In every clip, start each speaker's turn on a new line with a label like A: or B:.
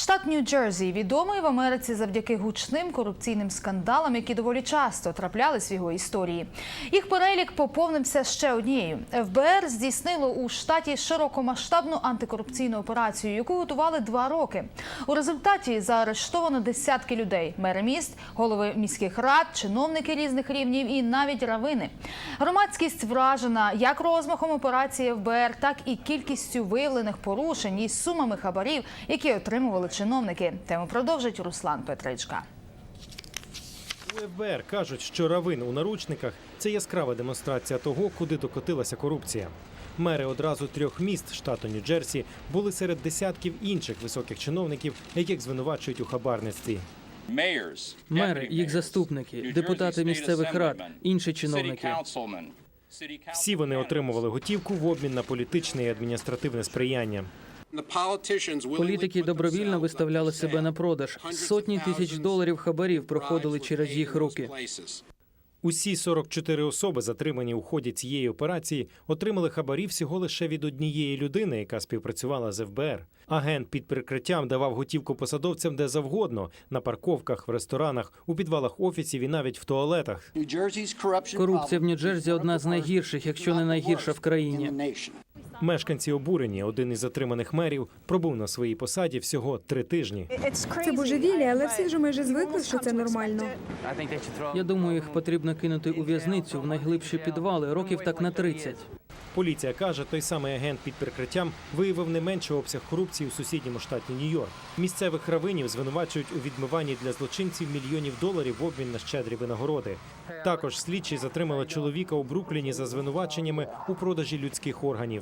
A: Штат Нью-Джерсі відомий в Америці завдяки гучним корупційним скандалам, які доволі часто траплялись в його історії. Їх перелік поповнився ще однією. ФБР здійснило у штаті широкомасштабну антикорупційну операцію, яку готували 2 роки. У результаті заарештовано десятки людей – мери міст, голови міських рад, чиновники різних рівнів і навіть равини. Громадськість вражена як розмахом операції ФБР, так і кількістю виявлених порушень і сумами хабарів, які отримували чиновники. Тему продовжить Руслан Петричка.
B: У ФБР кажуть, що равин у наручниках – це яскрава демонстрація того, куди докотилася корупція. Мери одразу 3 міст штату Нью-Джерсі були серед десятків інших високих чиновників, яких звинувачують у хабарництві.
C: Мери, їх заступники, депутати місцевих рад, інші чиновники.
B: Всі вони отримували готівку в обмін на політичне і адміністративне сприяння.
C: Політики добровільно виставляли себе на продаж. Сотні тисяч доларів хабарів проходили через їх руки.
B: Усі 44 особи, затримані у ході цієї операції, отримали хабарі всього лише від однієї людини, яка співпрацювала з фбр. Агент під прикриттям давав готівку посадовцям де завгодно – на парковках, в ресторанах, у підвалах офісів і навіть в туалетах.
C: Корупція в Нью-Джерсі – одна з найгірших, якщо не найгірша в країні.
B: Мешканці обурені. Один із затриманих мерів пробув на своїй посаді всього 3 тижні.
D: Це божевілля, але всі вже майже звикли, що це нормально.
C: Я думаю, їх потрібно кинути у в'язницю, в найглибші підвали, років так на 30.
B: Поліція каже, той самий агент під прикриттям виявив не менший обсяг корупції у сусідньому штаті Нью-Йорк. Місцевих равинів звинувачують у відмиванні для злочинців мільйонів доларів в обмін на щедрі винагороди. Також слідчі затримали чоловіка у Брукліні за звинуваченнями у продажі людських органів.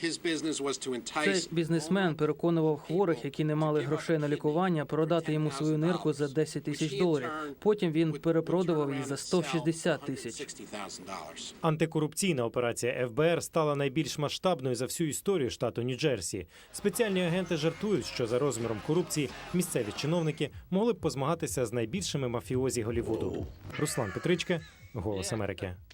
C: Цей бізнесмен переконував хворих, які не мали грошей на лікування, продати йому свою нирку за 10 тисяч доларів. Потім він перепродавав її за 160 тисяч.
B: Антикорупційна операція ФБР стала найбільш масштабною за всю історію штату Нью-Джерсі. Спеціальні агенти жартують, що за розміром корупції місцеві чиновники могли б позмагатися з найбільшими мафіозі Голлівуду. Руслан Петричка, «Голос Америки».